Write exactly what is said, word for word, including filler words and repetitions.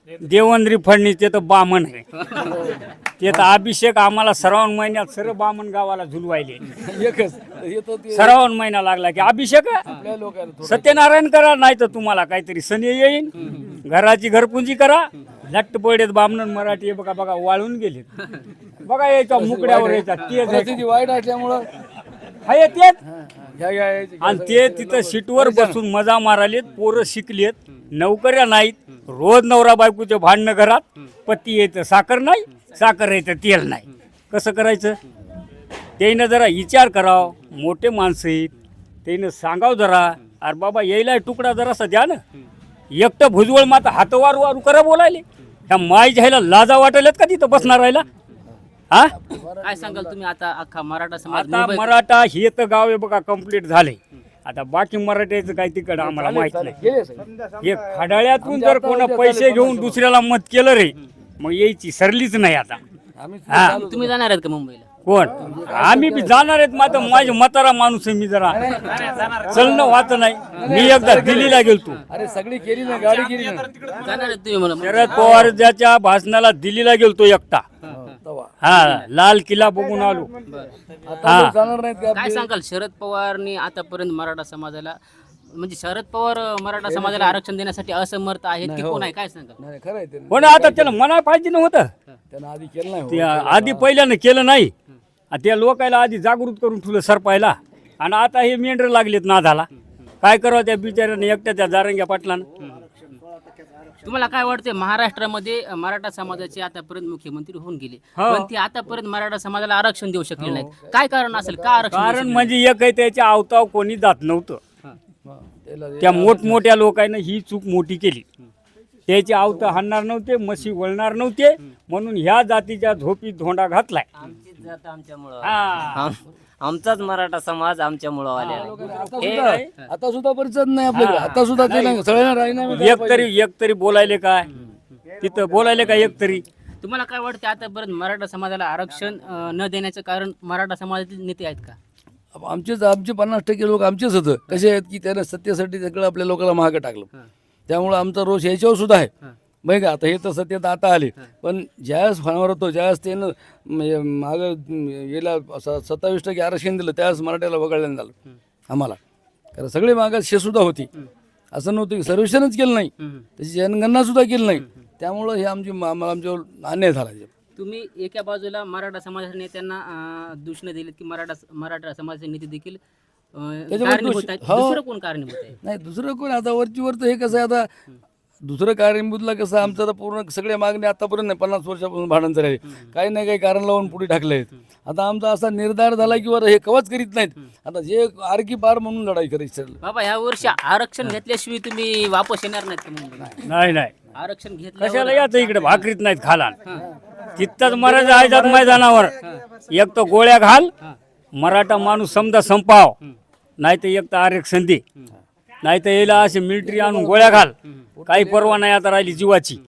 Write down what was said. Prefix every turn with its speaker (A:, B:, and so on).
A: देवेंद्र फडणवीस ते तर बामण आहे. ते तर अभिषेक आम्हाला श्रावण महिन्यात सर्व बामण गावाला झुलवायले.
B: एकच येतो ते
A: श्रावण महिना लागला की अभिषेक
B: आपल्या लोकांना थोडं
A: सत्यनारायण करा, नाही तर तुम्हाला काहीतरी सनी येईन. घराची घरपुंजी करा. लट्ट पडेत बामण मराठी हे बघा बघा वाळून गेले. बघा याच्या मुकड्यावर याच्या तेच
B: परिस्थिती वाईट असल्यामुळं
A: आहे तेच.
B: ह्या ह्या ह्या-
A: आणि ते तिथं सीटवर बसून मजा मारालेत. पोरं शिकलेत, नोकऱ्या नाहीत. रोज नवरा बायकोचे भांडणं घरात. पती येतं साखर नाही, साखर येतं तेल नाही. कसं करायचं? त्यानं जरा विचार करावं. मोठे माणसं आहेत, त्यानं सांगावं जरा, अरे बाबा यायला तुकडा जरासा द्या ना. एकटं भुजवळ माता हातवार वारू करा बोलायले. ह्या माई जायला लाजा वाटल्यात का तिथं बसणार राहिला? हा
C: काय सांगाल तुम्ही आता अख्खा मराठा समाज
A: आता
C: मुंबईत-
A: मराठा हे तर गाव आहे बघा कंप्लीट झाले. आता बाकी मराठ्याचं काही तिकडं आम्हाला माहित नाही.
B: गेले सगळे.
A: हे खडाळ्यातून जर कोण पैसे घेऊन दुसऱ्याला मत केलं रे, मग यायची सरलीच नाही. आता
B: आम्ही
A: हा
C: तुम्ही जाणार आहेत का मुंबईला?
A: कोण आम्ही बी जाणार आहेत. मात्र माझे म्हातारा माणूस आहे मी, जरा चलणं व्हात नाही. मी एकदा दिल्लीला गेलतो.
B: अरे सगळी केली ना, गाडी केली ना
C: जाणार आहेत तुम्ही मला
A: शरद पवार ज्याच्या भाषणाला दिल्लीला गेलतो एकटा.
B: तवा.
A: हा लाल किल्ला बघून आलो.
B: आता लोक जाणार नाहीत का?
C: काय सांगाल शरद पवारनी आतापर्यंत मराठा समाजाला म्हणजे शरद पवार अं, मराठा समाजाला आरक्षण देण्यासाठी असमर्थ आहेत की कोण आहे काय सांगाल?
B: नाही खरं आहे ते.
A: पण आता त्याला म्हणाय पाहिजे नव्हतं.
B: त्यानं आधी केलं नाही हो.
A: ते आधी पहिल्यानं केलं नाही. आणि त्या लोकायला आधी जागृत करून ठेवलं सरपायला. आणि आता हे मेंढर लागलेत नादाला. काय करावं त्या बिचाऱ्याने एकट्या त्या जारंग्या पाटलानं.
C: तुम्हाला काय वाटते महाराष्ट्रामध्ये अं, मराठा समाजाचे आतापर्यंत मुख्यमंत्री होऊन गेले
A: हो.
C: पण ते आतापर्यंत मराठा समाजाला आरक्षण देऊ शकले नाहीत. काय कारण असेल का आरक्षण देऊ
A: कारण
C: शकले
A: म्हणजे एक आहे त्याच्या आवताव कोणी जात नव्हतं.
C: नाहीत?
B: हा, त्याला
A: त्या मोठमोठ्या लोकांना ही चूक मोठी केली. त्याचे आवत हाणणार नव्हते, म्हशी वळणार नव्हते, म्हणून ह्या जातीच्या झोपीत धोंडा घातलाय.
D: आमचीच जात आमच्यामुळं
A: हा.
D: आम- आमचाच मराठा समाज आमच्यामुळं आलेला आहे.
B: आता सुद्धा आता सुद्धा परिचय नाही आपल्याकडे. आता सुद्धा ते नाही सगळ्यांना राजीनामे द्यायला
A: एक तरी एक तरी बोलायले काय तिथं बोलायले काय एक तरी.
C: तुम्हाला काय वाटते आतापर्यंत मराठा समाजाला आरक्षण अं, न देण्याचं कारण मराठा समाजातील नेते आहेत का?
B: पाहिजे. आमचेच आमचे पन्नास टक्के लोक आमचेच होतं. कसे आहेत की त्यानं सत्तेसाठी सगळं आपल्या लोकांना महाग टाकलं. त्यामुळं आमचा रोष याच्यावर सुद्धा आहे. बघ आता हे तर सत्तेत आता आले, पण ज्यावेळेस फणावर होतो ज्यावेळेस त्यानं मागं गेला सत्तावीस टक्के आरक्षण दिलं त्यावेळेस मराठ्याला वगळल्यानं झालं आम्हाला. कारण सगळे मागास शे सुद्धा होती. असं नव्हतं की सर्वेक्षणच केलं नाही, त्याची जनगणना सुद्धा केली नाही. त्यामुळं हे आमची आम्हाला आमच्यावर अन्याय झाला.
C: तुम्ही एका बाजूला मराठा समाजाच्या नेत्यांना अं, दूषणं दिलीत की मराठा मराठा समाजाचे नेते देखील अं,
B: त्याच्यावर
C: कारणीभूत
B: दोष-
C: आहेत.
B: हो.
C: दुसरं कोण कारणीभूत आहे?
B: नाही दुसरं कोण आता वरची वर तर हे कसं आहे आता दुसरं कारणीभूतला कसं आमचं आता पूर्ण सगळ्या मागणी आतापर्यंत नाही पन्नास वर्षापासून भांडण चालले. काही नाही काही कारण लावून पुढे टाकले आहेत. आता आमचा असा निर्धार झाला की वर हे कवच करीत नाहीत. आता जे आरकी पार म्हणून लढाई करायची ठरलं.
C: बाबा ह्या वर्षी आरक्षण घेतल्याशिवाय तुम्ही वापस येणार नाहीत का मुंबईला?
A: नाही नाही
C: आरक्षण घेतलं
A: कशाला याचं इकडे भाकरीत नाहीत खाला. तिथंच मराठा आहेत मैदानावर. एक तर गोळ्या घाल, मराठा माणूस समजा संपाव, नाही तर एक तर आरक्षण दे, नाही तर याला असे मिलिटरी आणून गोळ्या घाल. काही परवा नाही आता राहिली जीवाची.